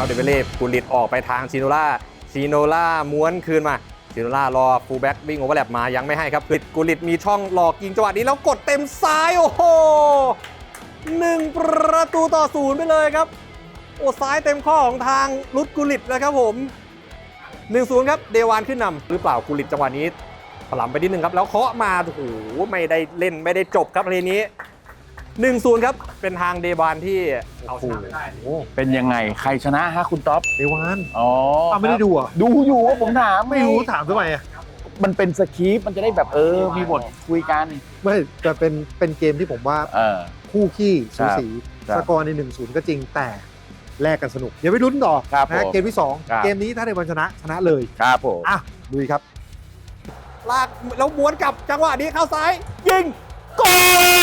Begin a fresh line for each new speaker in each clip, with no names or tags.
เดเวเล่กุลิตออกไปทางชิโนล่าม้วนคืนมาชิโนล่ารอฟูลแบ็กวิ่งโอเวอร์แลปมายังไม่ให้ครับกุลิตมีช่องหลอกยิงจังหวะนี้แล้วกดเต็มซ้ายโอ้โห1-0ไปเลยครับโอ้ซ้ายเต็มข้อของทางรุดกุลิตนะครับผม1-0ครับเดวานขึ้นนำหรือเปล่ากุลิตจังหวะนี้ถลำไปนิดนึงครับแล้วเคาะมาโอ้โหไม่ได้เล่นไม่ได้จบครับทีนี้1-0ครับเป็นทางเดวานที่เอาชนะไปได้
เป็นยังไงใครชนะฮะคุณท็อป
เดวาน
อ๋อ
ไม่ได้ดูอ่ะ
ดูอยู่ว่าผมถาม
ไม่รู้ถามทำไมอ่ะ
มันเป็นสคริปต์มันจะได้แบบมีบทคุยกัน
ไม่แต่เป็นเกมที่ผมว่าคู่ขี้สูสีสกอร์ใน 1-0 ก็จริงแต่แลกกันสนุกเดี๋ยวไปลุ้นต่อนะเกมที่ 2 เกมนี้ถ้าในวันชนะเลย
ครับผม
อ่ะลุยครับ
ลากแล้วม้วนกลับจังหวะนี้เข้าซ้าย ยิงโก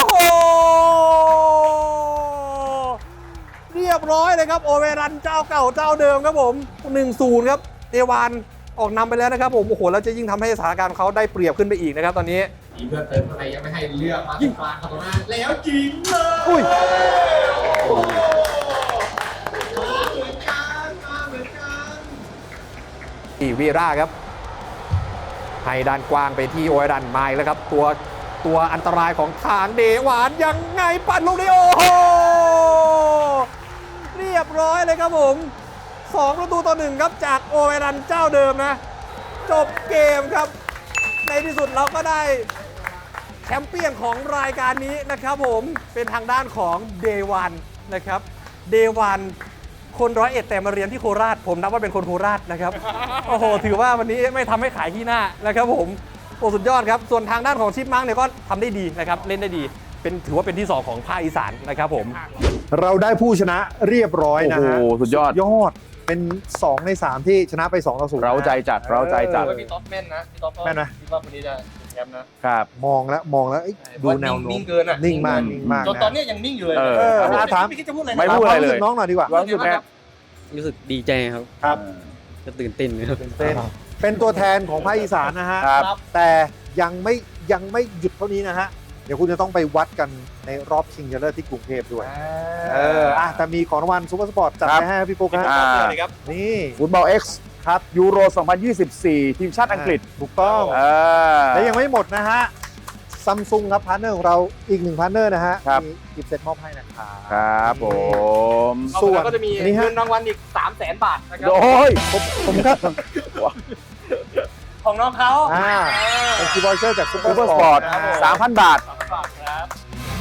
เรียบร้อยเลยครับโอเวรันเจ้าเก่าเจ้าเดิมครับผม 1-0 ครับเดวานออกนำไปแล้วนะครับผมโอ้โหแล้วจะยิ่งทำให้สถานการณ์เขาได้เปรียบขึ้นไปอีกนะครับตอนนี้มีเพื่อนเติมอะไรยังไม่ให้เลือกมายิงกลางครับนะแล้วจริงเลยอุ้ยวีร่าครับให้ด้านกว้างไปที่โอเวรันไมล์แล้วครับตัวอันตรายของทางเดวานยังไงปั่นลูกนี้โอ้โหเรียบร้อยเลยครับผม2-1ครับจากโอเวรันเจ้าเดิมนะจบเกมครับในที่สุดเราก็ได้แชมเปี้ยนของรายการนี้นะครับผมเป็นทางด้านของเดวานนะครับเดวานคน101แต่มาเรียนที่โคราชผมนับว่าเป็นคนโคราชนะครับโอ้โหถือว่าวันนี้ไม่ทำให้ขายที่หน้านะครับผมโอ้สุดยอดครับส่วนทางด้านของชิปมังเนี่ยก็ทำได้ดีนะครับเล่นได้ดีถือว่าเป็นที่2ของภาคอีสานนะครับผม
เราได้ผู้ชนะเรียบร้อยนะฮะ
โอ้โหสุดยอด
เป็น2 ใน 3 ที่ชนะไป 2-0
เราใจจัดเราใจจัด
พี่ท็อปแม่นนะพี่ท็อป
แม่นไหม
คิดว่าคนนี้จะแชมป์นะครับ
มองแล้วเอ้ยดูแนวโน้
นิ่
ม
งเกินอ่ะ
นิ่งมาก
จนตอนนี้ยังนิ่งอยู่เลย
ถาม
ไม่คิดจะพูดอะไร
ไม่พูดอะไรเลย
น้องหน่อยดีกว่า
ความรู้สึกแม่
รู้สึกดีใจครับ
ครับ
จะตื่นเต้นครับ
เป็นตัวแทนของภาคอีสานนะฮะ
ครับ
แต่ยังไม่หยุดเท่านี้นะฮะ เดี๋ยวคุณจะต้องไปวัดกันในรอบชิงชนะเลิศที่กรุงเทพด้วยแต่มีของรางวัลซูเปอร์สปอร์ตจัดไปให้พี่โป๊กนะ นี่
ฟุตบอล X ครับยูโร 2024 ทีมชาติอังกฤษ
ถูกต้อง และยังไม่หมดนะฮะซัมซุงครับพาร์ทเนอร์ของเราอีก1พาร์ทเนอร์นะฮะ
ครับ
มีกิฟต์เซ็ตมอบให้นะครับ
ครับผม
ส่วน
ก็จะมี
นี่ฮะ
เงินรางวัลอีก 300,000 บาทนะครับ
โอ้ย
ผมครับ
ของน้องเขา
เป็นคีย์บอร์ดเชอร์จากซูเปอ
ซู
ร์
เปอร์
ส
ส
ป
ป
อ
อ
ร์
ร์
ต
ต 3,000 บาท
300,000 บาทครับ